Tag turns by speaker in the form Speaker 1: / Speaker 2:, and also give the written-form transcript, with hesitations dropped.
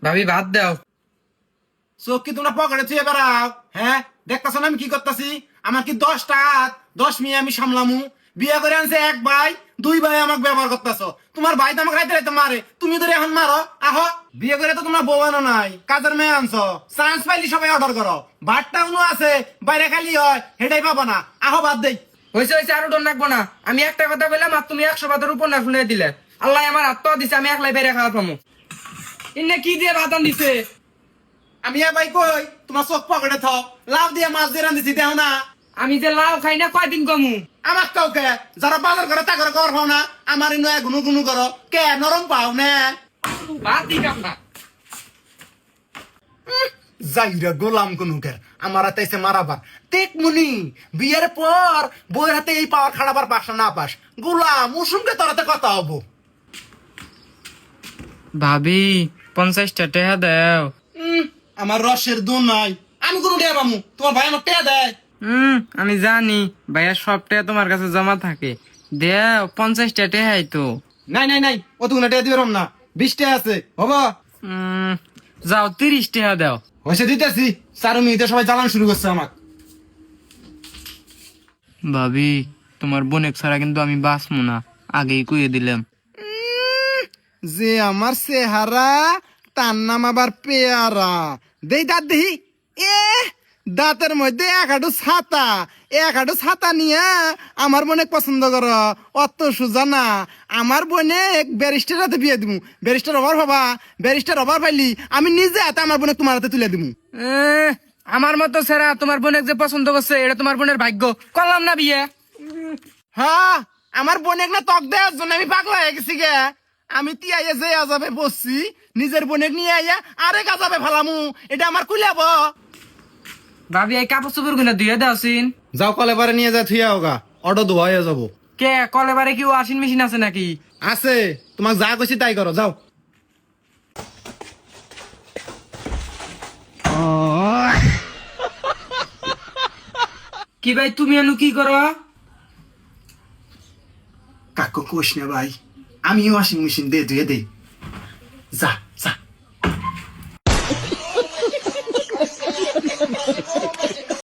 Speaker 1: ভাবি ভাত দাও।
Speaker 2: চোখ কি তোমরা পকেটে থুয়ে বেড়াও? হ্যাঁ, দেখতেছো না আমি কি করতেছি? আমার কি 10টা হাত 10 মেয়ে আমি সামলামু? বিয়ে করে আনছে এক ভাই, 2 ভাই আমাকে ব্যবহার করতেছো। তোমার ভাই তো আমাকে রাইতে রাইতে মারে, তুমি ধরে এখন মারো। আহো, বিয়ে করে তো তোমরা বউ আনো নাই, কাজের মেয়ে আনছো। চান্স পাইলি সবাই অর্ডার করো। ভাতটা উনো আছে, বাইরে খালি হয়, হেটাই পাবো না। আহো ভাত দেই।
Speaker 1: হয়েছে হয়েছে, আরো ডর রাখবো না। আমি একটা কথা বললাম আর তুমি 100 ভাতের উপর না শুনে দিলে। আল্লাহ আমার আত্মা দিছে, আমি একলাই বেড়ে খাওয়া পামু। ইন্নে কি দিয়ে ভাত দিছে?
Speaker 2: আমি এ ভাই কই তোমার চোখ পকেটে থাও, লাভ দিয়ে মাছ দিয়ে রান্ধিছি দেও না।
Speaker 1: আমি যে লাউ খাই না কয়দিন কমু।
Speaker 2: আমার কাউকে যারা বাজার করে তা করে কর পাও না, আমার ইনো গুনু গুনু করো কে নরম পাও না।
Speaker 1: ভাত দিতাম না।
Speaker 2: যাইরা গোলাম কুনুকের আমার হাতে এসে মারাবার তেক মুনি বিয়ের পর বইয়ের হাতে এই পাওয়ার খাড়াবার পাস না পাস গোলাম উসুমকে তোরাতে কথা হবো।
Speaker 1: ভাবি 50টা টাকা দাও।
Speaker 2: আমার রসের দুন নাই, আমি কোনো টেয়া পামু? তোমার ভাই আমার টেয়া দেয়?
Speaker 1: আমি জানি ভাইয়া সব টাকা তোমার কাছে জমা থাকে। দেও 50টা টাকাই তো।
Speaker 2: নাই নাই নাই, অতগুলো টেয়া দিবে না, 20 টেয়া আছে হবো।
Speaker 1: যাও 30 টাকা দাও।
Speaker 2: হয়েছে দিতেছি, 4 মিনিটে সবাই জ্বালান শুরু করছে আমার।
Speaker 1: ভাবি তোমার বোনেক ছাড়া কিন্তু আমি বাঁচবো না, আগেই কইয়ে দিলাম।
Speaker 2: যে আমার চেহারা তার নাম আবার পেয়ারা। দেই দাঁত দেহি, এ দাঁতের মধ্যে এক হাঁটু ছাতা নিয়ে আমার বোনেক পছন্দ কর, অত সোজা না। আমার বোনেক ব্যারিস্টার হাতে বিয়ে দিমু। ব্যারিস্টার অভার হবা, ব্যারিস্টার অভার পাইলি আমি নিজে হাতে আমার বোনেক তোমার হাতে তুলে দিমু।
Speaker 1: আমার মতো সেরা তোমার বোনেক যে পছন্দ করছে এটা তোমার বোনের ভাগ্য। করলাম না বিয়ে।
Speaker 2: হ্যাঁ, আমার বোনেক না তক দেওয়ার জন্য আমি পাগলা হয়ে গেছি গে। আমি তিয়াইয়া যে আজাবে বসছি, নিজের বোনেক নিয়ে আইয়া আরেক আজাবে ফেলামু, এটা আমার কুলাব।
Speaker 1: ভাবি এই কাপড় চোপড় গুলো ধুয়ে দাও সিন।
Speaker 2: যাও কলে বারে নিয়ে যা থুইয়া হোগা, অটো ধোয়া হয়ে যাবো।
Speaker 1: কে কলেবারে কি ওয়াশিং মেশিন আছে নাকি?
Speaker 2: আছে, তোমাক যা কইছি তাই করো, যাও।
Speaker 1: কি ভাই তুমি এনু কি করো?
Speaker 2: কাকু কোষ না ভাই, আমি ওয়াশিং মেশিন দিয়ে ধুয়ে দেই।